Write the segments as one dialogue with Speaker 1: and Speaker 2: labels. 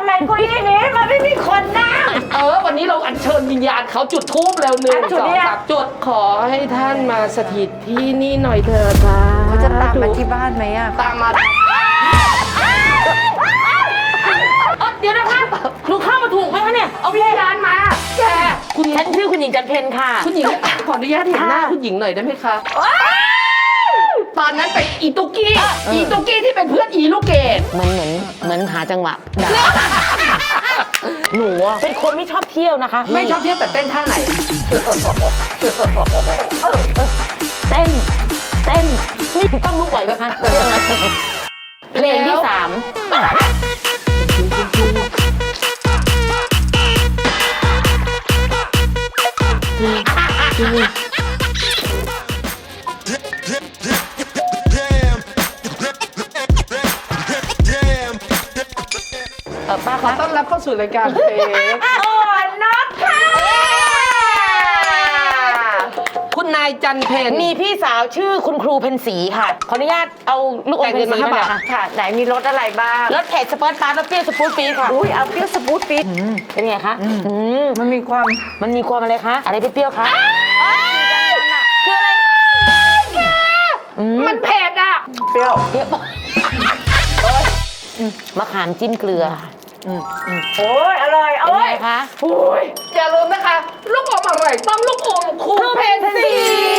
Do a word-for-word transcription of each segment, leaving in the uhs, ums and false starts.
Speaker 1: ไมเก้าอี้นี้มันไม่มีคนนั่ง
Speaker 2: เออวันนี้เราอัญเชิญวิญญาณเขาจุดธูปแล้วหนึ่งสองสามจุดขอให้ท่านมาสถิตที่นี่หน่อยเถิดค่ะ
Speaker 1: เขาจะตามมาที่บ้านไหมอ่ะ
Speaker 2: ตามมา
Speaker 3: เดี๋ยวนะคะหนูเข้ามาถูกไหมคะเนี่ย
Speaker 2: เอาวิญญาณมาแก
Speaker 3: คุณฉันชื่อคุณหญิงจันเพญค่ะ
Speaker 2: คุณหญิงขออนุญาตเห็นหน้าคุณหญิงหน่อยได้ไหมคะตอนนั้นเป็นอีตุกี้อีตุกี้ที่เป็นเพื่อนอีลูกเกด
Speaker 3: มันเหมือนเหมือนหาจังหวะด่าหนูเป็นคนไม่ชอบเที่ยวนะคะ
Speaker 2: ไม่ชอบเที่ยวแต่เต้นท่าไหน
Speaker 3: เต้นเต้นนี่ต้องลุกไหวไหมคะเพลงที่สามป้า
Speaker 2: ขอต้อนรับเข้าสู่รายการเพลง
Speaker 1: อ่อนนักค่ะ
Speaker 2: คุณนายจันเพญ
Speaker 3: มีพี่สาวชื่อคุณครูเพ็ญศรีค่ะขออนุญาตเอาลูกอมเพ็ญศรีมาค่ะ
Speaker 1: ค่ะไหนมีรสอะไรบ้าง
Speaker 3: รสเผ็ดสปอร์ตปาร์ตเปรี้ยวสปูตปี๊ดค่ะ
Speaker 1: อุ้ยเอาเปรี้ยวสปูตปี๊ด
Speaker 3: เป็นไงคะ
Speaker 1: มันมีความ
Speaker 3: มันมีความอะไรคะอะไรเปรี้ยวคะ
Speaker 2: คืออะไรมันเผ็ดอ่ะ
Speaker 1: เปรี้ยว
Speaker 3: เปรี้ยวมะขามจิ้มเกลือ
Speaker 1: โอ้ยอร่อย
Speaker 3: โอ้ยคะ
Speaker 2: โอ้ยอย่าลืมนะคะลูกอมอร่อยต้องลูกอมครูเพ็ญศรี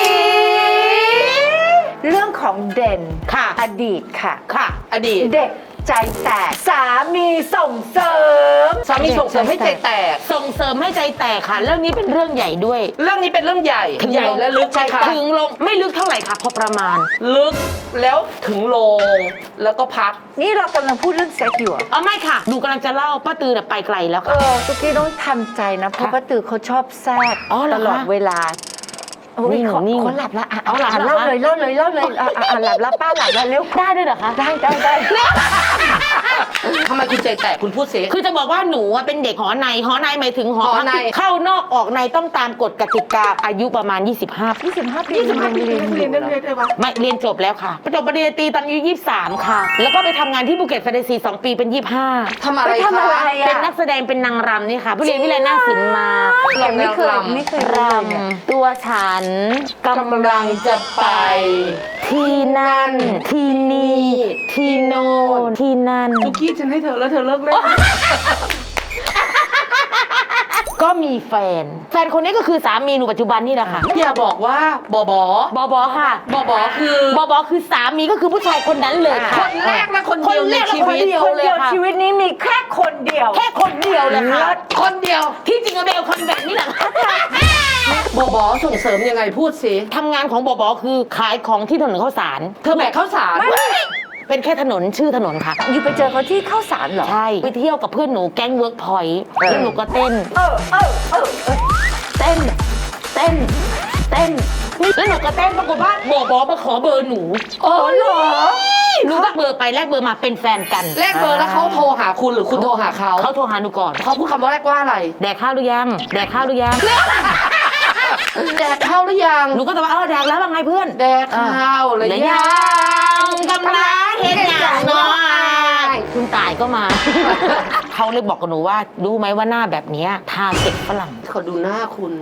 Speaker 1: เรื่องของเด่น
Speaker 3: ค่ะ
Speaker 1: อดีตค่ะ
Speaker 2: ค่ะอดีต
Speaker 1: เด็กใจแตกสามีส่งเสริม
Speaker 2: สามีส่งเสริมให้ใจแตก
Speaker 3: ส่งเสริมให้ใจแตกค่ะเรื่องนี้เป็นเรื่องใหญ่ด้วย
Speaker 2: เรื่องนี้เป็นเรื่องใหญ่ใหญ่และลึกใช่ค่ะ
Speaker 3: ถึงลงไม่ลึกเท่าไหร่ค่ะพอประมาณ
Speaker 2: ลึกแล้วถึงลงแล้วก็พัก
Speaker 1: นี่เรากำลังพูดเรื่องเซ็กอยู่
Speaker 3: อ๋อไม่ค่ะหนูกำลังจะเล่าป้าตือไปไกลแล้วค่ะ
Speaker 1: เออตุ๊กกี้ต้องทำใจนะเพราะป้าตือเขาชอบแทรกตลอดเวลาโอ้ยเขาหลับแล้วอ่ะเอาหลับเล่าเลยเล่าเลยเล่าเลยอ่ะหลับแล้วป้าหลับแล้วเร็ว
Speaker 3: ได้ด้วยเหรอคะ
Speaker 1: ได้ได้ได้
Speaker 2: ทำไมคุณใจแตกคุณพูดสิ
Speaker 3: คือจะบอกว่าหนูเป็นเด็กหอในหอในหมายถึงหอในเข้านอกออกในต้องตามกฎกติกาอายุประมาณยี่สิบห้า
Speaker 1: ยี่สิบห้าปี
Speaker 2: ยี่สิบห้าปีเรียนเรียนได้ไหม
Speaker 3: ไม่เรียนจบแล้วค่ะจบปริญญาตรีตอนอายุยี่สิบสามค่ะแล้วก็ไปทำงานที่ภูเก็ตแฟนตาซีสองปีเป็นยี่สิบห้า
Speaker 2: ทำอะไรคะ
Speaker 3: เป็นนักแสดงเป็นนางรำนี่ค่ะผู้เรียนวิไลนาศิลป์มา
Speaker 1: เราไม่เคยไม่เคย
Speaker 3: รำตัวฉันกำลังจะไปที่นั่นที่นี่ที่โน่นที่นั่น
Speaker 2: ทุกขี้ฉันให้เธอแล้วเธอเลิกเล่น
Speaker 3: ก็มีแฟนแฟนคนนี้ก็คือสามีหนูปัจจุบันนี่แหละค่ะ
Speaker 2: อย่าบอกว่าบอบ
Speaker 3: อบอบอค่ะ
Speaker 2: บอบอคือบ
Speaker 3: อบอคือสามีก็คือผู้ชายคนนั้นเลย
Speaker 2: คนแรกและคนเดียวในชีวิต
Speaker 1: คนเดียวชีวิตนี้มีแค่คนเดียว
Speaker 3: แค่คนเดียวเลยค่ะ
Speaker 2: คนเดียว
Speaker 3: ที่จริงเบลคนแบบนี้แหละ
Speaker 2: บอบอส่งเสริมยังไงพูดสิ
Speaker 3: ทำงานของบอบอคือขายของที่ถนนข้าวสาร
Speaker 2: เธอแบกข้าวสาร
Speaker 3: เป็นแค่ถนนชื่อถนนค่ะ
Speaker 1: อยู่ไปเจอเขาที่ข้าวสารเหรอ
Speaker 3: ใช่ไปเที่ยวกับเพื่อนหนูแก๊งเวิร์กพอยต์แล้วหนูก็เต้น
Speaker 1: เออเออเออ
Speaker 3: เต้นเต้นเต้นแล้วหนูก็เต้นปรากฏว่าบอบอมาขอเบอร์หนู
Speaker 1: อ๋อเหรอ
Speaker 3: หนูก็เบอร์ไปแลกเบอร์มาเป็นแฟนกัน
Speaker 2: แลกเบอร์แล้วเขาโทรหาคุณหรือคุณโทรหาเขา
Speaker 3: เขาโทรหาหนูก่อน
Speaker 2: เขาพูดคำว่าแรกว่าอะไร
Speaker 3: แดกข้าวหรือยังแดกข้าวหรือยัง
Speaker 2: แดกข้าวหรือยัง
Speaker 3: หนูก็จะว่าเออแดกแล้วว่าไงเพื่อน
Speaker 2: แดกข้าวหรือ
Speaker 3: ยังกำลังเห็นอย่างน้อยคุณตายก็มาเขาเลยบอกกับหนูว่ารู้ไหมว่าหน้าแบบนี้ทาเก็บฝรั่ง
Speaker 2: เขาดูหน้าคุณ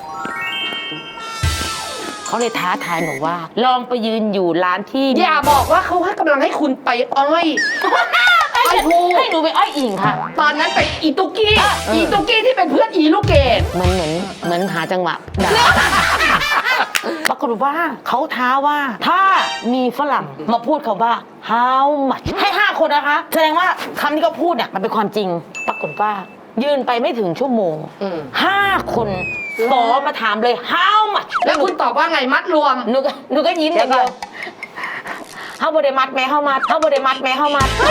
Speaker 3: เขาเลยท้าทายหนูว่าลองไปยืนอยู่ร้านที่
Speaker 2: อย่าบอกว่าเขาให้กำลังให้คุณไปอ้อย
Speaker 3: อ้อยพูให้หนูไปอ้อยอิงค่ะ
Speaker 2: ตอนนั้นไปอีตุกี้อีตุกี้ที่เป็นเพื่อนอีลูกเกด
Speaker 3: เหมือนเหมือนเหมือนหาจังหวะด่าปรากฏว่าเขาท้าว่าถ้ามีฝรั่งมาพูดคำว่า how much ให้ห้าคนนะคะแสดงว่าคำที่เขาพูดเนี่ยมันเป็นความจริงปรากฏว่ายืนไปไม่ถึงชั่วโมงห้าคนขอมาถามเลย how much
Speaker 2: แล้วคุณตอบว่าไงมัดรวม
Speaker 3: หนูก็หนูก็ยิ้มอย่างเดียวเฮาบริมัดแม่เฮามัดเฮาบริมัดแม่เฮามัด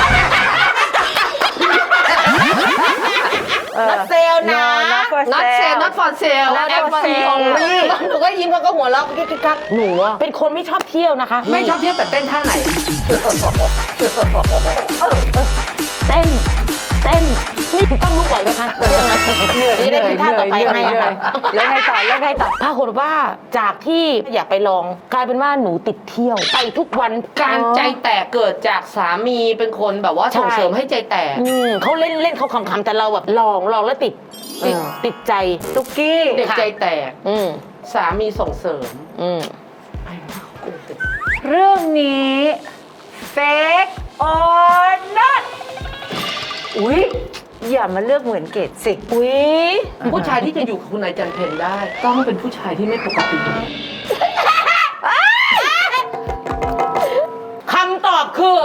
Speaker 3: นัดเซลนะ
Speaker 2: นัดเซลนัดฟอร์เซล
Speaker 3: นัดฟอร์เซลหนูก็ยิ้มเขาก็หัวเราะกิ๊กกักหนูเป็นคนไม่ชอบเที่ยวนะคะ
Speaker 2: ไม่ชอบเที่ยวแต่เต้นท่าไหน
Speaker 3: เต้นเต้นนี่ต้องลุกไหวไหมคะ
Speaker 1: เหนื่อย
Speaker 3: นี่ได้คิดท่าต่อไป
Speaker 1: เหนื่อย
Speaker 3: ให้
Speaker 1: เหนื่
Speaker 3: ค่ะ
Speaker 1: อยแล้วไงต่อแล้วไงต่อ
Speaker 3: ปรากฏว่าจากที่อยากไปลองกลายเป็นว่าหนูติดเที่ยวไปทุกวัน
Speaker 2: การใจแตกเกิดจากสามีเป็นคนแบบว่าส่งเสริมให้ใจแตก
Speaker 3: อืมเขาเล่นเล่นเขาขำๆแต่เราแบบลองลองแล้วติดติด
Speaker 1: เออ
Speaker 3: ติดใจ
Speaker 1: ตุ๊กกี้
Speaker 2: เด็กใจแตก
Speaker 3: อืม
Speaker 2: สามีส่งเสริม
Speaker 3: อืม
Speaker 1: เรื่องนี้ fake or not อุ๊ย อย่ามาเลือกเหมือนเกดสิ
Speaker 3: อุ๊ย
Speaker 2: ผู้ชายที่จะอยู่กับคุณนายจันเพนได้ ต้องเป็นผู้ชายที่ไม่ปกติ
Speaker 3: คำตอบคือ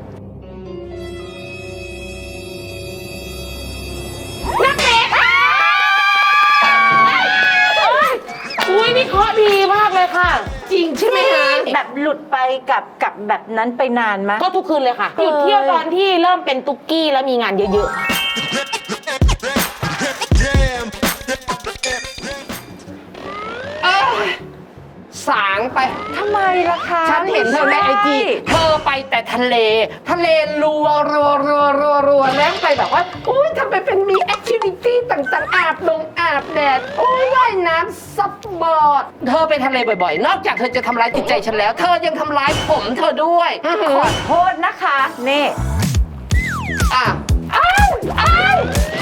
Speaker 3: นักเตะค่ะอุ้ยนี่เคราะห์ดีมากเลยค่ะ
Speaker 2: จริงใช่ไหมคะ
Speaker 1: แบบหลุดไปกับกับแบบนั้นไปนานไหม
Speaker 3: ก็ทุกคืนเลยค่ะ
Speaker 1: เอ้ย
Speaker 3: หยุดเที่ยวตอนที่เริ่มเป็นตุ๊กกี้แล้วมีงานเยอะ
Speaker 2: เอ้ยสางไป
Speaker 1: ทำไมล่ะคะ
Speaker 2: ฉันเห็นเธอในไอจี
Speaker 1: ม่ใช่
Speaker 2: เธอไปแต่ทะเล ทะเลรัวรัวรัวรัวรัวแล้วไปแบบว่า อุ้ยทำไมเป็นมีแอคทิวิตี้ต่างๆ อาบลงอาบแดด อุ้ยว่ายน้ำซับบอร์ด เธอไปทะเลบ่อยๆ นอกจากเธอจะทำร้ายจิตใจฉันแล้ว เธอยังทำร้ายผมเธอด้วยอื้อหื
Speaker 1: ข
Speaker 2: อ
Speaker 1: อโทษนะคะนี่
Speaker 2: อ่ะอ้าวอ้าว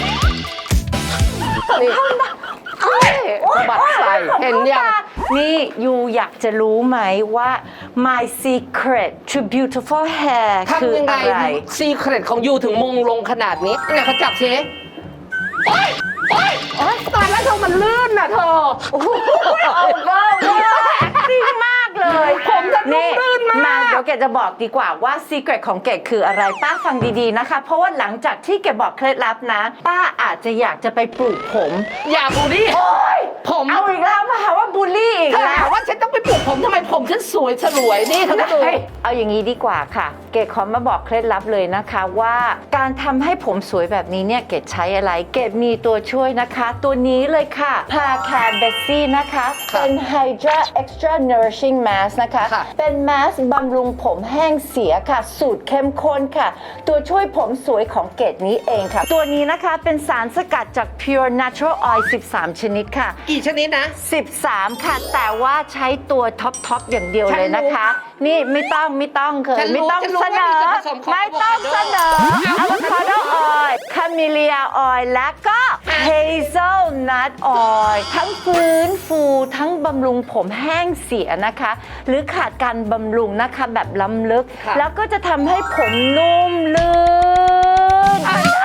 Speaker 2: นี่สะบัดใส่เห็นยัง
Speaker 1: นี่ยูอยากจะรู้ไหมว่า my secret to beautiful hair คือ
Speaker 2: ทำยังไง
Speaker 1: อะไร
Speaker 2: ซีเครตของยูถึงมงลงขนาดนี้เนี่ยเขาจับสิโอ๊ยโอ๊ยโอ๊ยตายแล้วเธอมันลื่นน่ะเธอ
Speaker 1: โอ้โหเอาเว้าเว้า acting มากเลย
Speaker 2: ผมจะนุ่ม
Speaker 1: นี่
Speaker 2: ลื่นมาก
Speaker 1: มาเดี๋ยวเกดจะบอกดีกว่าว่า secret ของเกดคืออะไรป้าฟังดีๆนะคะ เพราะว่าหลังจากที่เกดบอกเคล็ดลับนะ ป้าอาจจะอยากจะไปปลูกผม
Speaker 2: อย่าบูลลี่
Speaker 1: โอ๊ย
Speaker 2: ผม
Speaker 1: เอาอีกแล้วมาหาว่าบูลลี่อีก
Speaker 2: เธอ
Speaker 1: แล้
Speaker 2: หาว ว่าฉันต้องไปปลูกผมทำไมผมฉันสวยฉลวยนี่เธอก็ดู
Speaker 1: เอาอย่างนี้ดีกว่าค่ะ เกดขอมาบอกเคล็ดลับเลยนะคะว่าการทำให้ผมสวยแบบนี้เนี่ยเกดใช้อะไร เกดมีตัวช่วยนะคะ ตัวนี้เลยค่ะ พาแคร์เบสซี่นะคะ เป็น Hydra Extra Nourishing Mask นะคะ
Speaker 2: ค่ะ
Speaker 1: เป็นแมสบำรุงผมแห้งเสียค่ะ สูตรเข้มข้นค่ะ ตัวช่วยผมสวยของเกดนี้เองค่ะ ตัวนี้นะคะเป็นสารสกัดจาก Pure Natural Oil สิบสาม ชนิดค่ะ
Speaker 2: กี่ชนิดนะ
Speaker 1: สิบสาม ค่ะ แต่ว่าใช้ตัวท็อปท็อปอย่างเดียวเลยนะคะ นี่ไม่ต้องไม่ต้องเคย
Speaker 2: ฉันรู้
Speaker 1: ไม่ต้อง
Speaker 2: ฉันรู้
Speaker 1: เสนอ
Speaker 2: ว่ามีส่วนผสมของ
Speaker 1: ไม่ต้องเสนออะโวคาโดออยล์คาเมเลียออยล์และก็เฮเซลนัทออยล์ทั้งฟื้นฟูทั้งบำรุงผมแห้งเสียนะคะ หรือขาดการบำรุงนะคะแบบล้ำลึก
Speaker 2: ค่ะ
Speaker 1: แล้วก็จะทำให้ผมนุ่มลื่น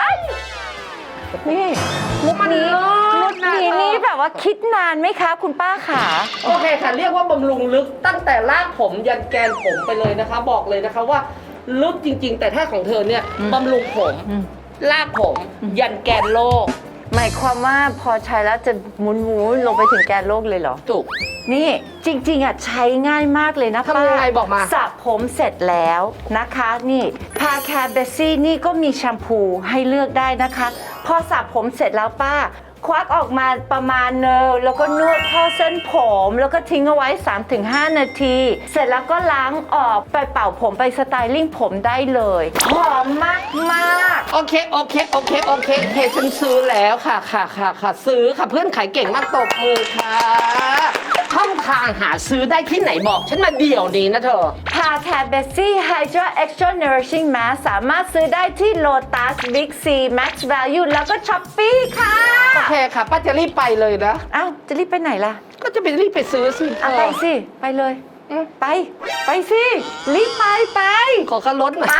Speaker 1: นี่มุกนี้มุกนี้นี่แบบว่าคิดนานไหมคะ คุณป้าขา
Speaker 2: โอเคค่ะ เรียกว่าบำรุงลึกตั้งแต่รากผมยันแกนผมไปเลยนะคะ บอกเลยนะคะว่าลึกจริง ๆ แต่ถ้าของเธอเนี่ยบำรุงผมรากผมยันแกนโลก
Speaker 1: หมายความว่าพอใช้แล้วจะหมุนหมุนลงไปถึงแกนโลกเลยเหรอ
Speaker 2: ถูก
Speaker 1: นี่จริงๆอ่ะใช้ง่ายมากเลยนะ
Speaker 2: ทำยังไงบอกมา
Speaker 1: สระผมเสร็จแล้วนะคะ นี่พาแคร์เบสซี่นี่ก็มีแชมพูให้เลือกได้นะคะ พอสระผมเสร็จแล้วป้า ควักออกมาประมาณเนอแล้วก็นวดเข้าเส้นผม แล้วก็ทิ้งเอาไว้ สามถึงห้า นาที เสร็จแล้วก็ล้างออกไปเป่าผมไปสไตลิ่งผมได้เลยหอมมากมากๆ
Speaker 2: โอเค โอเค โอเค โอเคโอเคฉันซื้อแล้วค่ะ ค่ะ ค่ะ ค่ะ ซื้อค่ะ เพื่อนขายเก่งมากตบมือค่ะช่องทางหาซื้อได้ที่ไหนบอก ฉันมาเดี่ยวนี้นะเธอ
Speaker 1: พาแคร์เบสซี่ Hydra Extra Nourishing Mask สามารถซื้อได้ที่ Lotus Big C Max Value แล้วก็ Shopee ค่ะ
Speaker 2: โอเคค่ะ ป้าจะรีบไปเลยนะ
Speaker 1: เอ้า จะรีบไปไหนล่ะ
Speaker 2: ก็จะไปรีบไปซื้อสิ
Speaker 1: อ่ะ
Speaker 2: เธ
Speaker 1: ไป
Speaker 2: อ
Speaker 1: สิ ไปเลย ไป ไปสิ รีบไป ไป
Speaker 2: ขอค่ารถหน่อย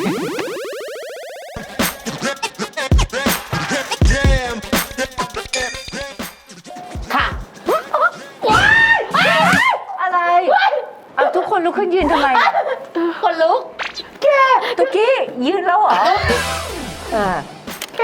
Speaker 3: ค่ะ
Speaker 1: อะไร เอาทุกคนลุกขึ้นยืนทำไม
Speaker 3: คนลุก
Speaker 1: แกตุกกี้ ยืนแล้วเหรออ่า
Speaker 2: แก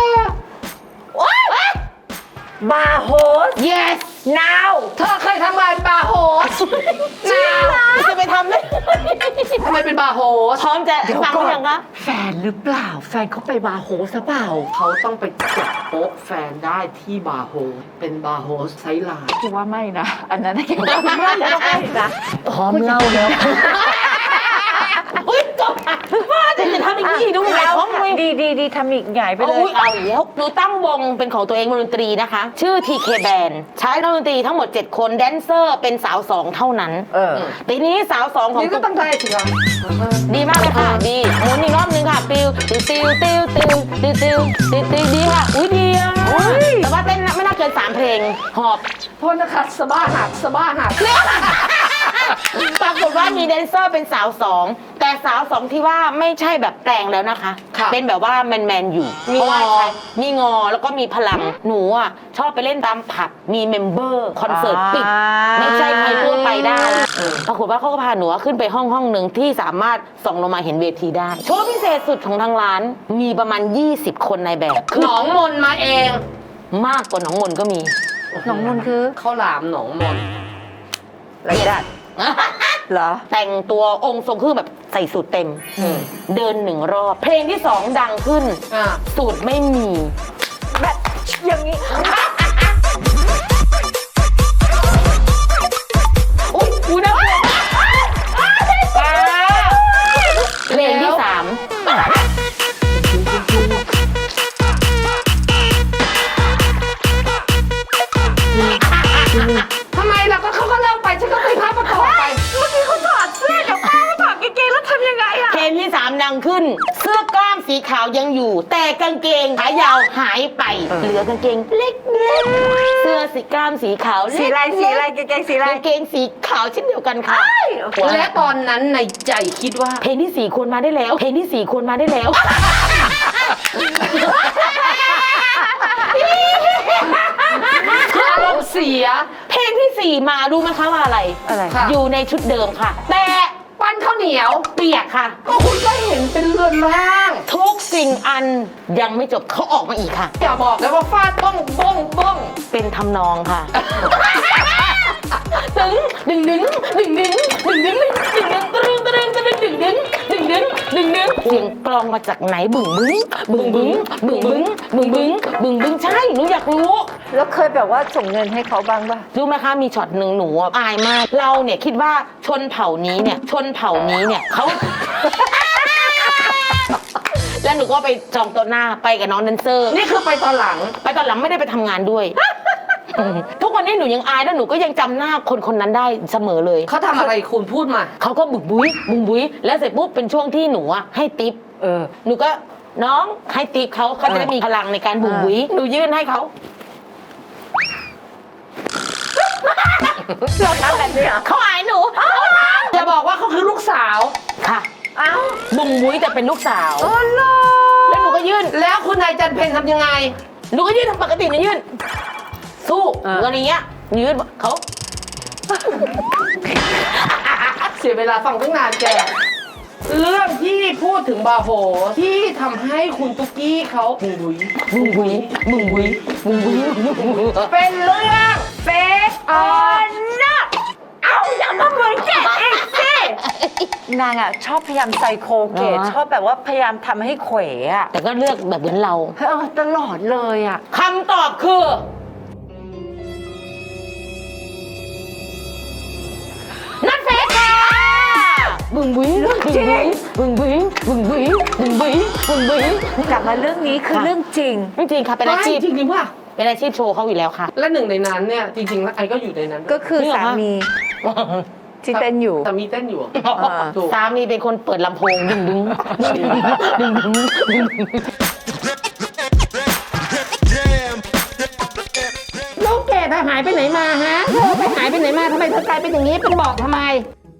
Speaker 1: บาร์โฮส
Speaker 2: yes
Speaker 1: now
Speaker 2: เธอเคยทำงานบาร์โฮส
Speaker 1: จริงเหรอ
Speaker 3: จะไปทำได้
Speaker 2: ทำไมเป็นบาร์โฮส
Speaker 3: พร้อมจะฟังหรือยังคะ
Speaker 1: แฟนหรือเปล่า แฟนเขาไปบาร์โฮสหรือเปล่า
Speaker 2: เขาต้องไปจับโป๊ะแฟนได้ที่บาร์โฮส เป็นบาร์โฮสไซส์ไลน์
Speaker 1: คิดว่าไม่นะ อันนั้นนะคิดว่าไม่นะ
Speaker 3: พร้อมเล่าแล้วอุ้ยจบว่าจะจะททำอีกทีดูหงายท้องเลย
Speaker 1: ดีดีดีทำอีกใหญ่ไปเล
Speaker 3: โอ้
Speaker 1: ย
Speaker 3: ยเอาอีกแล้วหนูตั้งวงเป็นของตัวเองวงดนตรีนะคะ ชื่อ ที เค Band ใช้นักดนตรีทั้งหมด เจ็ด คนแดนเซอร์เป็นสาวสองเท่านั้น
Speaker 1: เออ
Speaker 3: ทีนี้สาวสองของ
Speaker 2: นี่ก็ต้องได้สิครับ
Speaker 3: ดีมากเลยค่ะดีหมุนอีกรอบนึงค่ะปิวติวติวติวติวติวติวติวติวดีค่ะอุ้ยดีอ่ะแต่ว่าเต้นไม่น่าเกินสามเพลงหอบ
Speaker 2: โทษนะคะสบ้าหักสบ้าหัก
Speaker 3: ปรากฏว่ามีแดนเซอร์เป็นสาวสองแต่สาวสองที่ว่าไม่ใช่แบบแปลงแล้วนะคะ เป็นแบบว่าแมนแมนๆอยู่
Speaker 2: มี
Speaker 3: เพราะว่า
Speaker 2: งอ
Speaker 3: มีงอแล้วก็มีพลังหนูอ่ะชอบไปเล่นตามผับมีเมมเบอร์คอนเสิร์ตปิด
Speaker 1: อ่า
Speaker 3: ไม่ใช่ใครทั่วไปได้ปรากฏว่าเขาก็พาหนูขึ้นไปห้องห้องหนึ่งที่สามารถส่องลงมาเห็นเวทีได้โชว์พิเศษสุดของทางร้านมีประมาณ ยี่สิบ คนในแบบ
Speaker 2: หนองมนมาเอง
Speaker 3: มากกว่าหนองมนก็มี
Speaker 1: น้องมนต์คือ
Speaker 2: ข้าวหลามหนองมน
Speaker 1: ไรดัดเหรอ
Speaker 3: แต่งตัวองค์ทรงเครื่องแบบใส่สูทเต็ม เดินหนึ่งรอบ เพลงที่สองดังขึ้น
Speaker 2: อ่า
Speaker 3: สูตรไม่มี
Speaker 1: แบบอย่างนี้
Speaker 3: อุ้ยอุ้ยนะเพลงที่สาม
Speaker 2: ทำไมล่ะก็เขาก็เล่าไปฉันก็ไปพับประกอบไป
Speaker 1: เมื่อกี้เขาถอดเสื้อเดี๋ยวป้าก็ถอดกางเกงแล้วทำยังไงอะ
Speaker 3: เพลงที่สามดังขึ้น เสื้อกล้ามสีขาวยังอยู่ แต่กางเกงขายาวหายไป เหลือกางเกงเล็กๆเสื้อสีกล้ามสีขาวเล็กๆ
Speaker 1: สีอะไรสีอะไรกางเกงสีอะไร
Speaker 3: กางเกงสีขาวเช่นเดียวกันค่ะ
Speaker 2: และตอนนั้นในใจคิดว่า
Speaker 3: เพลงที่สี่ควรมาได้แล้ว เพลงที่สี่ควรมาได้แล้ว
Speaker 2: อารมณ์เสีย
Speaker 3: เพลงที่สี่มารู้ไหมคะว่าอะไร
Speaker 1: อะไร
Speaker 2: ค่ะ
Speaker 3: อยู่ในชุดเดิมค่ะ แต่
Speaker 2: ปั้นข้าวเหนียว
Speaker 3: เปียกค่ะ
Speaker 2: ก็คุณก็เห็นเป็นเรือนร่าง
Speaker 3: ทุกสิ่งอันยังไม่จบเขาออกมาอีกค่ะ
Speaker 2: อย่าบอกเลยว่าฟาดบ้องบ้องบ้อง
Speaker 3: เป็นทำนองค่ะ ตึงดึงดึงดึงดึงดึงดึงดึงดึงตรึงตรึงตรึงดึงดึงดึงดึงดึงดึงเสียงกลองมาจากไหนบึ้งบึ้งบึ้งบึ้งบึ้งบึ้งบึ้งบึ้งบึ้งบึ้งใช่หนูอยากรู้
Speaker 1: แล้วเคยแบบว่าส่งเงินให้เขาบ้างป่ะ
Speaker 3: รู้ไหมคะมีช็อตหนึ่งหนูอะอายมาก เราเนี่ยคิดว่าชนเผ่านี้เนี่ยชนเผ่านี้เนี่ยเขา แล้วหนูก็ไปจองโต๊ะหน้าไปกับน้องแดนเซอร์
Speaker 2: นี่คือไปตอนหลัง
Speaker 3: ไปตอนหลังไม่ได้ไปทำงานด้วย ทุกวันนี้หนูยังอายแล้วหนูก็ยังจำหน้าคนคนนั้นได้เสมอเลย
Speaker 2: เขาทำอะไรคุณพูดมา
Speaker 3: เขาก็บุกบุ้ยบุงบุ้ยแล้วเสร็จปุ๊บเป็นช่วงที่หนูอะให้ติป
Speaker 1: เออ
Speaker 3: หนูก็น้องให้ติปเขาเขาจะได้มีพลังในการบุงบุ้ยหนูยื่นให้เขา
Speaker 1: เราทำแบบนี้เหรอ
Speaker 3: เขาอายหนู
Speaker 2: จะบอกว่าเขาคือลูกสาว
Speaker 3: ค่ะ
Speaker 1: เอ้า
Speaker 3: บุงบุ้ยแต่เป็นลูกสาว
Speaker 1: โอ้โห
Speaker 3: แล้วหนูก็ยื่น
Speaker 2: แล้วคุณนายจันเพนทำยังไง
Speaker 3: หนูก็ยื่นทำปกติหนูยื่น สู้หนูอะไรเงี้ยยื่นเขา
Speaker 2: เสียเวลาฟังตั้งนานแก เรื่องที่พูดถึงบาโฮที่ทำให้คุณตุ๊กกี้เขาบุย
Speaker 3: บุงบุ้ยบุงบุ้ยบุงบุ้ยบุงบุ้ย
Speaker 2: เป็นเรื่อง
Speaker 1: เฟกออนนักเอาอย่ามาเหมือนแกเองสินางอ่ะชอบพยายามไซโคเกตชอบแบบว่าพยายามทำให้เขวอ่ะ
Speaker 3: แต่ก็เลือกแบบเหมือนเรา
Speaker 1: เออตลอดเลยอ่ะ
Speaker 3: คำตอบคือนัดเฟสค่ะบึงบุ้ยบึงบุ้ยบึงบุ้ยบึงบุ้ยบึงบุ้ยบึงบุ้ย
Speaker 1: กลับมาเรื่องนี้คือเรื่องจริง
Speaker 3: จริงๆค่ะเป็นอาชีพ
Speaker 2: จริงๆว่า
Speaker 3: เป็นอาชีพโชว์เขาอยู่แล้วค่ะ
Speaker 2: และหนึ่งในนั้นเนี่ยจริงๆแล้วไอ้ก็อยู่ในนั้น
Speaker 1: ก็คือสามีที่เต้นอยู่
Speaker 2: แต่มีเต้นอยู่
Speaker 1: อ่า
Speaker 2: ถูก
Speaker 3: สามีเป็นคนเปิดลำโพงดึงดึงดึงดึงดึงดึงดึง
Speaker 2: ลูกเกดหายไปไหนมาฮะเธอไปหายไปไหนมาทำไมเธอกลายเป็นอย่างนี้เป็นบอกทำไม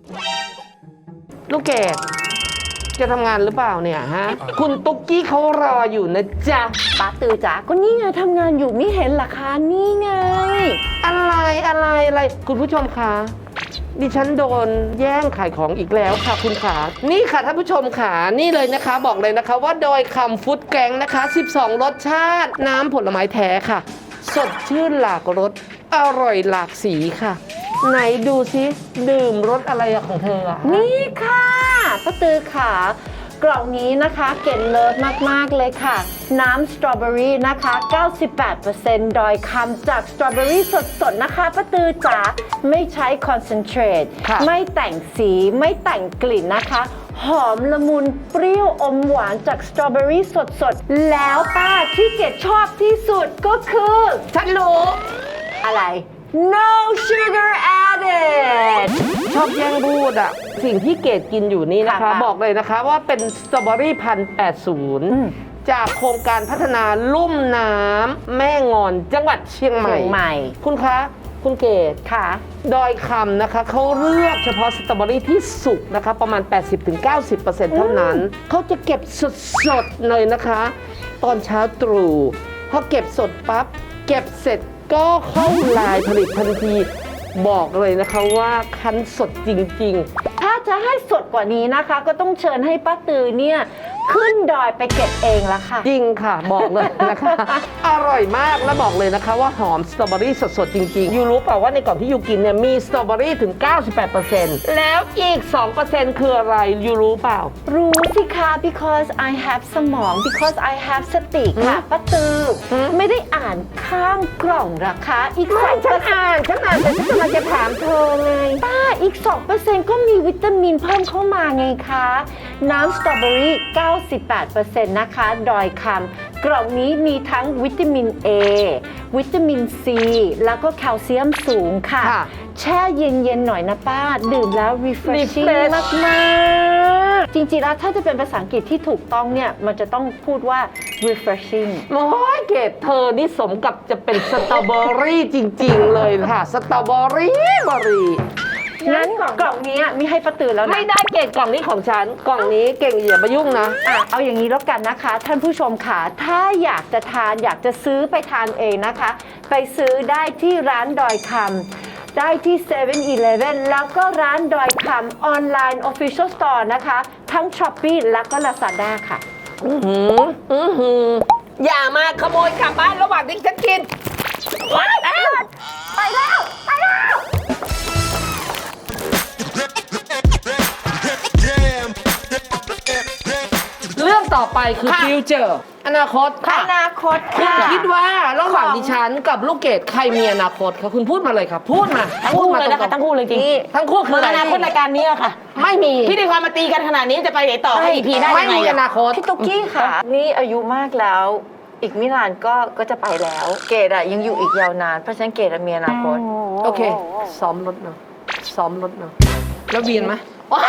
Speaker 2: ลูกเกดจะทำงานหรือเปล่าเนี่ยฮะ คุณตุ๊กกี้เขารออยู่นะจ๊ะ
Speaker 1: ป้าตือจ๋าก็นี่ไงทำงานอยู่ไม่เห็นเหรอคะนี่ไง
Speaker 2: อะไรอะไรอะไร คุณผู้ชมคะดิฉันโดนแย่งขายของอีกแล้วค่ะคุณขานี่ค่ะท่านผู้ชมขานี่เลยนะคะ บอกเลยนะคะว่าโดยคำฟุตแกงนะคะ สิบสอง รสชาติ น้ำผลไม้แท้ค่ะ สดชื่นหลากรสอร่อยหลากสีค่ะ ไหนดูซิดื่มรสอะไรอะของเธออะ
Speaker 1: นี่ค่ะป้าตือค่ะ กล่องนี้นะคะเก่งเลิศมาก ๆ เลยค่ะ น้ำสตรอเบอรี่นะคะ เก้าสิบแปดเปอร์เซ็นต์ โดยคำจากสตรอเบอรี่สด ๆ นะคะป้าตือจ๋าไม่ใช้คอนเซนเทรต
Speaker 3: ค่ะ
Speaker 1: ไม่แต่งสีไม่แต่งกลิ่นนะคะ หหอมละมุนเปรี้ยวอมหวานจากสตรอเบอรี่สดๆ แล้วป้าที่เกดชอบที่สุดก็คือ
Speaker 2: ฉันรู้
Speaker 1: อะไร no sugar added
Speaker 2: ชอบแย่งพูดอะสิ่งที่เกดกินอยู่นี่นะคะ
Speaker 1: ค่ะ
Speaker 2: บอกเลยนะคะว่าเป็นสตรอเบอรี่พันแปดศูนย์
Speaker 1: อืม
Speaker 2: จากโครงการพัฒนาลุ่มน้ำแม่งอนจังหวัดเชียงใหม่
Speaker 1: เชียงใหม่
Speaker 2: คุณคะ คุณเกด
Speaker 1: ค่ะ
Speaker 2: ดอยคำนะคะเขาเลือกเฉพาะสตรอเบอรี่ที่สุกนะคะประมาณ แปดสิบถึงเก้าสิบเปอร์เซ็นต์ เท่านั้น เขาจะเก็บสดๆเลยนะคะ ตอนเช้าตรู่พอเก็บสดปั๊บ เก็บเสร็จก็เข้าลายผลิตทันที บอกเลยนะคะว่าคั้นสดจริงๆ
Speaker 1: ถ้าจะให้สดกว่านี้นะคะ ก็ต้องเชิญให้ป้าตือเนี่ยขึ้นดอยไปเก็บเองละค่ะ
Speaker 2: จริงค่ะ บอกเลยนะคะ อร่อยมากและบอกเลยนะคะว่าหอมสตรอเบอรี่สดๆ จริงๆ ยูรู้เปล่าว่าในกล่องที่ยูกินเนี่ยมีสตรอเบอรี่ถึง เก้าสิบแปดเปอร์เซ็นต์ แล้วอีก สองเปอร์เซ็นต์ คืออะไร ยูรู้เปล่า
Speaker 1: รู้สิคะ because I have สมอง because I have สติค่ะป้าตือ
Speaker 2: หืม
Speaker 1: ไม่ได้อ่านข้างกล่องราคาอีกสอง
Speaker 2: ฉั
Speaker 1: เปอน ร์เซ็นต์
Speaker 2: อ่านฉันอ่านแต่ฉันกำลังจะถามเธอไง
Speaker 1: ป้าอีก สองเปอร์เซ็นต์ ก็มีวิตามินเพิ่มเข้ามาไงคะ น้ำสตรอเบอรี่ เก้าสิบแปดเปอร์เซ็นต์ นะคะ ดอยคำกล่องนี้มีทั้งวิตามิน A วิตามิน C แล้วก็แคลเซียมสูงค่ะ
Speaker 2: ค่ะ
Speaker 1: แช่เย็น ๆ หน่อยนะป้า ดื่มแล้ว refreshing
Speaker 2: Refresh
Speaker 1: มากๆ จริง ๆ แล้วถ้าจะเป็นภาษาอังกฤษที่ถูกต้องเนี่ย มันจะต้องพูดว่า refreshing
Speaker 2: โอ้ยเกดเธอนี่สมกับจะเป็นสตรอเบอรี่จริงๆ เลยค่ะ สตรอเบอรี่บอรี่
Speaker 1: งั้นกล่องนี้มีให้ป้าตือแล้วนะ
Speaker 2: ไม่ได้เกดกล่องนี้ของฉัน กล่องนี้เก่งอย่ามายุ่งนะ
Speaker 1: อ่ะเอาอย่างนี้แล้วกันนะคะ ท่านผู้ชมค่ะถ้าอยากจะทานอยากจะซื้อไปทานเองนะคะ ไปซื้อได้ที่ร้านดอยคำได้ที่เซเว่นอีเลฟเว่นแล้วก็ร้านดอยคำออนไลน์ Official Store นะคะ ทั้ง Shopee แล้วก็ Lazada ค่ะ
Speaker 2: อือหืออือหืออย่ามาขโมยกลับบ้านระหว่างที่ฉันกินไปแล้ว
Speaker 1: ไปแล้ว ไปแล้ว
Speaker 2: เรื่องต่อไปคือ
Speaker 3: ค่ะ
Speaker 2: ฟิวเจอร์อนาคต
Speaker 1: อ
Speaker 2: ค่ะ
Speaker 1: นาคต
Speaker 2: คุณ
Speaker 1: ค่ะ
Speaker 2: คิดว่าระหว่าง
Speaker 1: ของ
Speaker 2: ดิฉันกับลูกเกดใครมีอนาคตคะคุณพูดมาเลยค่ะ พูดมา
Speaker 3: ทั้ง
Speaker 2: พูด
Speaker 3: คู่
Speaker 2: มา
Speaker 3: เลยนะคะ
Speaker 2: ตรงๆ
Speaker 3: ทั้งคู่เลยจริง
Speaker 2: ทั้งคู่คือ
Speaker 3: เมื่อ
Speaker 2: อะไร
Speaker 3: อนาคตรายการนี้อะค่ะ
Speaker 2: ไม่มี
Speaker 3: พิธีกรมาตีกันขนาดนี้จะไปไหนต่อให้ อี พี ได้
Speaker 2: ไม่
Speaker 3: ยังไง
Speaker 2: มีอ
Speaker 3: อะ
Speaker 2: นาคต
Speaker 1: พี่ตุ๊กกี้ค่ะ นี่อายุมากแล้ว อีกไม่นานก็ก็จะไปแล้ว เกดอะยังอยู่อีกยาวนาน เพราะฉะนั้นเกดอะมีอนาคต
Speaker 2: โอเค ซ้อมรถเนาะซ้อมรถเนาะแล้วเวียนไหม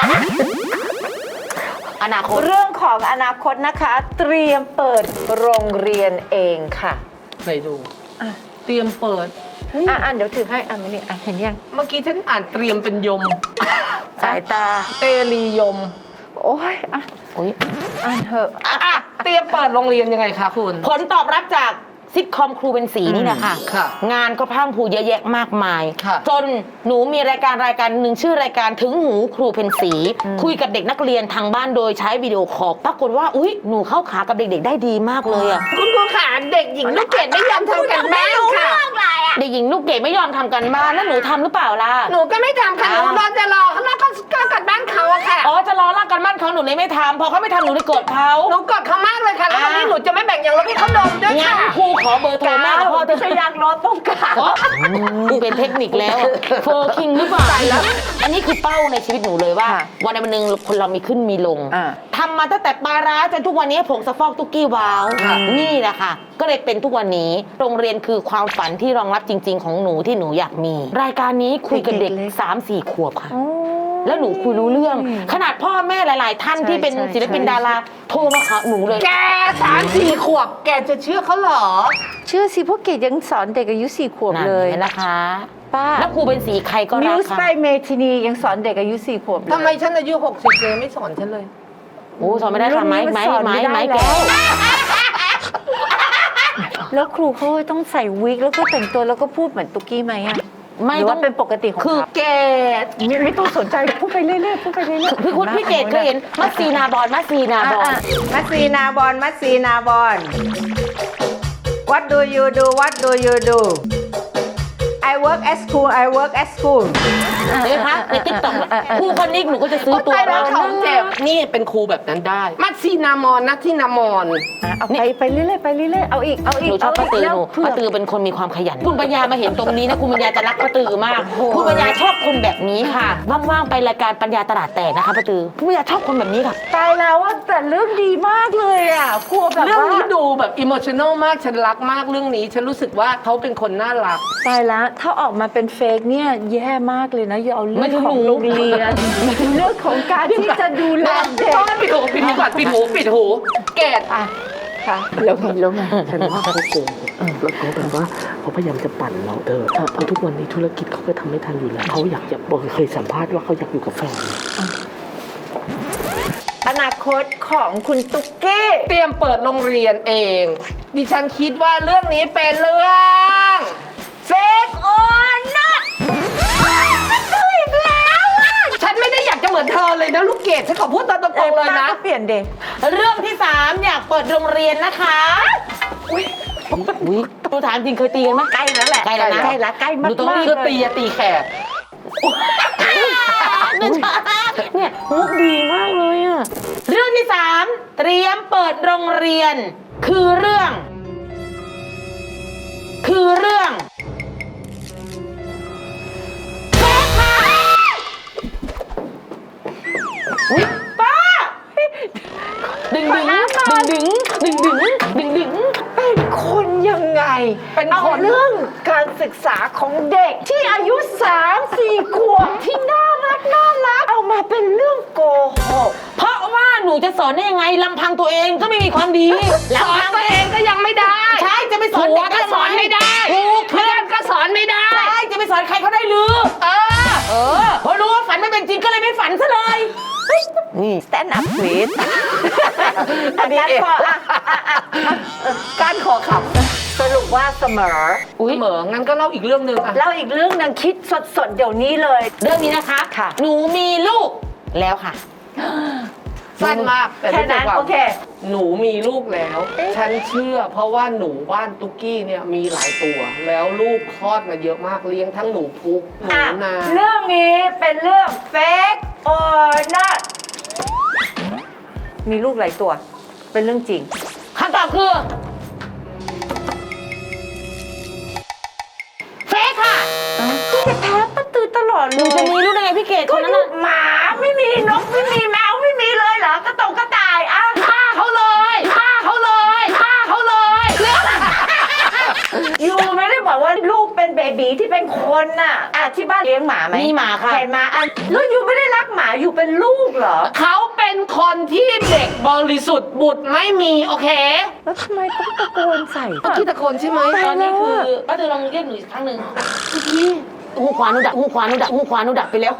Speaker 3: อนาคต
Speaker 1: เรื่องของอนาคตนะคะ เตรียมเปิดโรงเรียนเองค่ะ
Speaker 2: ไหนดูเตรียมเปิด
Speaker 1: อ่ะอ่ะเดี๋ยวถือให้อ่ะมานี่อ่ะเห็นยัง
Speaker 2: เมื่อกี้ฉันอ่านเตรียมเป็นยม
Speaker 1: สายตา
Speaker 2: เตรียม
Speaker 1: โอ้ยอ่ะ
Speaker 3: โอ้ย
Speaker 1: อ่านเถอะ
Speaker 2: อ่ะอ่ะเตรียมเปิดโรงเรียนยังไงคะคุณ
Speaker 3: ผลตอบรับจากซิทคอมครูเป็นสีนี่แหละค่ะ
Speaker 2: ค่ะ
Speaker 3: งานก็พรั่งพรูเยอะแยะมากมาย
Speaker 2: ค่ะ
Speaker 3: จนหนูมีรายการรายการหนึ่งชื่อรายการถึงหูครูเป็นสี คุยกับเด็กนักเรียนทางบ้านโดยใช้วิดีโอคอลปรากฏว่าอุ๊ยหนูเข้าขากับเด็กๆได้ดีมากเลยอะ
Speaker 2: คุณครูขาเด็กหญิงลูกเกดไม่ยอมทำกันบ้านค่ะ
Speaker 3: เด็กหญิงลูกเกดไม่ยอมทำกันบ้านแล้วหนูทำหรือเปล่าล่ะ
Speaker 2: หนูก็ไม่ทำค่ะหนูรอจะรอแล้วก็ก็กันบ้านเขาอะค่ะ
Speaker 3: อ๋อจะรอลากกันบ้านเขาหนูเลยไม่ทำพอเขาไม่ทำหนูเลยโกรธเขา
Speaker 2: หนูกดเขามากเลยค่ะแล้ววันนี้หนูจะไม่แบ่งอย่างรถให้เขาดมด้วย
Speaker 3: งั้
Speaker 2: ค่ะ
Speaker 3: นครูขอเบอร์โทรแม่กับพ่อเธอ
Speaker 1: พยางรถต้องการ
Speaker 3: อ๋อเป็นเทคนิคแล้วเฟอร์คิงหรือเปล่าอันนี้คือเป้าในชีวิตหนูเลยว่า
Speaker 1: ค่ะ
Speaker 3: วันใดวันหนึ่งคนเรามีขึ้นมีลง
Speaker 1: อ่า
Speaker 3: ทำมาตั้งแต่ปลาร้าจนทุกวันนี้ผงซักฟอกตุกกี้ว้าว
Speaker 2: ค่ะ
Speaker 3: นี่แหละค่ะ ก็เลยเป็นทุกวันนี้โรงเรียนคือความฝันที่รองรับจริง ๆ ของหนูที่หนูอยากมี รายการนี้คุยกับเด็ก
Speaker 1: เด็กเล็ก
Speaker 3: สามสี่ขวบค่ะ แล้วหนูคุยรู้เรื่อง ขนาดพ่อแม่หลาย ๆ ท่าน
Speaker 1: ใช่
Speaker 3: ที่เป็น
Speaker 1: ใช่
Speaker 3: ศิลปิน
Speaker 1: ใช่
Speaker 3: ดาราโทรมาหาหนูเลย
Speaker 2: แกสามสี่ขวบ แกจะเชื่อเขาเหรอ
Speaker 1: เชื่อสิพวกเกดยังสอนเด็กอายุสี่ขวบ
Speaker 3: นั่น
Speaker 1: เลย
Speaker 3: เห็นนะคะ
Speaker 1: ป้า
Speaker 3: แล้วครูเป็นสีใครก็
Speaker 1: มิ
Speaker 3: รั
Speaker 1: ว
Speaker 3: ก
Speaker 1: ส์ไป
Speaker 3: ค่ะ
Speaker 1: เมทินียังสอนเด็กอายุสี่ขวบเลย
Speaker 2: ทำไมฉันอายุหกสิบเลยไม่สอนฉันเลย
Speaker 3: โอ้สอนไม่ได้ค่ะไม้ไม้
Speaker 1: รุ่นนี้มันสอน
Speaker 3: ไม้
Speaker 1: ไม่ได้
Speaker 3: ไม้
Speaker 1: แล้ว
Speaker 3: แก้ว
Speaker 1: แล้วครูเขาต้องใส่วิกแล้วก็แต่งตัวแล้วก็พูดเหมือนตุ๊กกี้ไหมอะ
Speaker 3: ไม่
Speaker 1: หรือ
Speaker 3: ต้อ
Speaker 1: ว่าง เป็นปกติของ
Speaker 3: คือ
Speaker 1: เขา
Speaker 2: เกด
Speaker 1: ไม่ไม่ต้องสนใจพูดไปเรื่อยๆพูดไปเรื่อยๆ
Speaker 3: พี่คุณพี่เกดเคยเห็นมัสซีนาบอลมัสซีนาบอล
Speaker 1: อ่ะ
Speaker 4: มัสซีนาบอลมัสซีนาบอล What do you do What do you do I work at school I work at school
Speaker 3: เห็นไหมคะในติ๊กต็อกครูคนนี้หนูก็จะซื้อตัว
Speaker 2: ตายแล้ว
Speaker 3: เรา
Speaker 2: เขาเจ็บนี่เป็นครูแบบนั้นได้ มัดซีนามอนนะที่นามอน
Speaker 1: อ่ะเอาไปไปเรื่อยๆไปเรื่อยๆเอาอีกเอาอี
Speaker 3: ห
Speaker 1: ก
Speaker 3: นูชอบป้าตือ
Speaker 1: เา
Speaker 3: หนู
Speaker 1: กเพื่
Speaker 3: ป้าตือเป็นคนมีความขยันคุณปัญญามาเห็นตรงนี้นะคุณปัญญาจะรักป้าตือมากคุณปัญญาชอบคนแบบนี้ค่ะว่างๆไปรายการปัญญาตลาดแตกนะคะป้าตือคุณปัญญาชอบคนแบบนี้ค่ะ
Speaker 1: ตายแล้วว่าแต่เรื่องดีมากเลยอ่ะกลัวแบบ
Speaker 2: เรื่อง
Speaker 1: ว่า
Speaker 2: นี้ดูแบบอิโมชัน a ลมากฉันรักมากเรื่องนี้ ฉันรู้สึกว่าเขาเป็นคนน่ารัก
Speaker 1: ตายแล้วถ้าออกมาเป็นเฟกเนี่ยแย่มากเลยนะอย่าเอาเรื่
Speaker 3: ไม่
Speaker 1: อง
Speaker 3: ถึง
Speaker 1: ของ
Speaker 3: หนู
Speaker 1: โรงเรียนเรื่องของการที่จะดูแลเด็ก
Speaker 2: ปิดหูปิดหูก่อนปิดหูปิดหูเกด
Speaker 1: อ่ะค่ะ
Speaker 2: แล้วไงแล้วไงฉันว่าเขาโกงแล้วเขาแบบว่าเขาพยายามจะปั่นเราเธอเพราะทุกวันนี้ธุรกิจเขาก็ทำไม่ทันอยู่แล้วเขาอยากจะบอกเคยสัมภาษณ์ว่าเขาอยากอยู่กับแฟน
Speaker 1: อนาคตของคุณตุ๊กกี้
Speaker 2: เตรียมเปิดโรงเรียนเอง ดิฉันคิดว่าเรื่องนี้เป็นเรื่องเฟกออนนะฉันไม่ได้อยากจะเหมือนเธอเลยนะลูกเกดฉันขอพูดตามตรงๆเลยนะ
Speaker 1: ป้าก็เปลี่ยนเด็ก
Speaker 3: เรื่องที่สามอยากเปิดโรงเรียนนะคะอุ้ยหนูถามจริงเคยตีกันไหม
Speaker 1: ใกล้แล้วแหละ
Speaker 3: ใกล้แล้วนะ
Speaker 1: ใกล้แล้วใกล้มาก
Speaker 3: หนูต้องรีบ
Speaker 2: คือตีอะตีแขก
Speaker 3: เนี่ยมุกดีมากเลยอะเรื่องที่สามเตรียมเปิดโรงเรียน คือเรื่อง คือเรื่องอุ๊ยป้าดึงดึงดึงดึงดึงดึงดึง
Speaker 1: เป็นคนยังไง
Speaker 2: เป็น
Speaker 1: เอา
Speaker 2: คน
Speaker 1: เรื่องการศึกษาของเด็กที่อายุสามสี่ขวบที่น่ารักน่ารักเอามาเป็นเรื่องโกหก
Speaker 3: เพราะว่าหนูจะสอนได้ยังไงลำพังตัวเองก็ไม่มีความดี
Speaker 2: สอนตัวเองก็ยังไม่ได้
Speaker 3: ใช่จะไปสอน
Speaker 2: ผัว
Speaker 3: เด็ก
Speaker 2: ก็สอนไม่ได้
Speaker 3: ถูก
Speaker 2: เพื่อนก็สอนไม่ได้
Speaker 3: ใช่จะไปสอนใครเขาได้หรือ
Speaker 2: เออ
Speaker 3: เออพอรู้ว่าฝันไม่เป็นจริงก็เลยไม่ฝันซะเลยนี่
Speaker 1: stand up please อันนี้ขออ่ะอ่ะอ่ะอ่ะการขอขับ สรุปว่าเสมอ
Speaker 2: อุ้ยเหมองั้นก็เล่าอีกเรื่องหนึ่งอะ
Speaker 1: แล้วอีกเรื่องนึงคิดสดๆ เดี๋ยวนี้เลย
Speaker 3: เรื่องนี้นะคะ
Speaker 1: ค่ะ
Speaker 3: หนูมีลูกแล้วค่ะ
Speaker 2: สั้นมากแต่
Speaker 1: แค่นั้น
Speaker 2: รู้จักว่า
Speaker 1: โอเค
Speaker 2: หนูมีลูกแล้ว ฉันเชื่อ เพราะว่าหนูบ้านตุ๊กกี้เนี่ยมีหลายตัว แล้วลูกคลอดมาเยอะมากเลี้ยงทั้งหนูพุกหนู
Speaker 1: อ่ะ
Speaker 2: นา
Speaker 1: เรื่องนี้เป็นเรื่อง fake or not มีลูกหลายตัว เป็นเรื่องจริง
Speaker 3: คำตอบคือเฟกค่ะ
Speaker 1: ก็จะแพ้ป้าตือตลอด
Speaker 3: ห
Speaker 1: เล
Speaker 3: นูจะ
Speaker 1: ย
Speaker 3: มีลูกได้ไงพี่เกดค
Speaker 1: ก็
Speaker 3: นนั้น
Speaker 1: ลู
Speaker 3: น่ะ
Speaker 1: กหมาไม่มีนกไม่มีแมวไม่มีเลยเหรอกระตงกระต่ายอ่ะ
Speaker 2: ฆ่าเขาเลยฆ่าเขาเลยฆ่าเขาเลย
Speaker 1: ยูไม่ได้บอกว่าลูกเป็นเบบีที่เป็นคนน่ะอ่ะที่บ้านเลี้ยงหมาไหม
Speaker 3: มีหมาค่ะ
Speaker 1: เห็นหมาอ่ะแล้วยูไม่ได้รักหมาอยู่เป็นลูกเหรอ
Speaker 2: เขาเป็นคนที่เด็กบริสุทธิ์บุตรไม่มีโอเค
Speaker 1: แล้วทำไมต้องตะโกนใส่
Speaker 2: เมื่อกี้ตะโกนใช่ไหม
Speaker 3: ตอนนี้คือป้าเธอลองเรียกหนูอีกครั้งหนึ่งหูขวาหนูดับหูขวาหนูดับหูขวาหนูดับไปแล้ว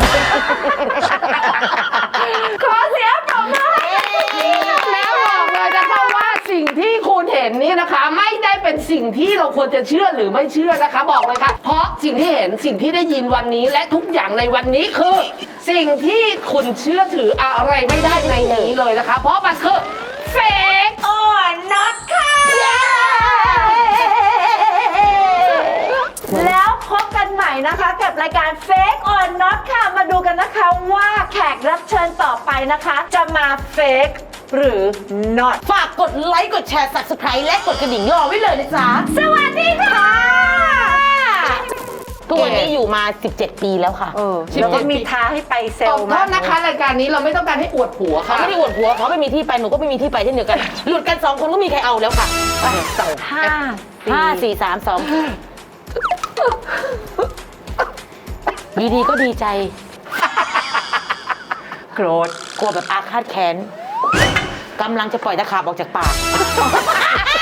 Speaker 1: ขอเสียงปรบมือ
Speaker 2: แล้วบอกเลยนะคะว่าสิ่งที่คุณเห็นนี่นะคะ ไม่ได้เป็นสิ่งที่เราควรจะเชื่อหรือไม่เชื่อนะคะ บอกเลยค่ะ เพราะสิ่งที่เห็นสิ่งที่ได้ยินวันนี้และทุกอย่างในวันนี้คือ สิ่งที่คุณเชื่อถืออะไรไม่ได้ในนี้เลยนะคะ เพราะมันคือเฟก
Speaker 1: อ่อนน็อตค่ะ แล้วพบกันใหม่นะคะกับรายการ Fake or Not ค่ะ มาดูกันนะคะว่าแขกรับเชิญต่อไปนะคะ จะมา Fake หรือ Not
Speaker 3: ฝากกดไลค์ กดแชร์ Subscribe และกดกระดิ่งรอไว้เลยนะจ๊ะ
Speaker 1: สวัสดีค่ะ
Speaker 3: ทุกวันนี้อยู่มา สิบเจ็ด ปีแล้วค่ะ
Speaker 1: เออแล้วก็มีท้าให้ไปเซล
Speaker 2: ขอ
Speaker 1: ล์
Speaker 2: โท
Speaker 1: มา
Speaker 2: ษนะคะรายการนี้เราไม่ต้องการให้อวดผัว
Speaker 3: เขา
Speaker 2: ค่ะ
Speaker 3: ไม่ได้อวดผัวเขาไม่มีที่ไป หนูก็ไม่มีที่ไปเช่นเดียวกัน หลุดกันสองคนก็มีใครเอาแล้วค่ะ
Speaker 1: ห้า
Speaker 3: ห้าสี่สามสองดีๆก็ดีใจ
Speaker 1: โกรธ
Speaker 3: กลัวแบบอาฆาตแค้นกำลังจะปล่อยตะขาบออกจากปาก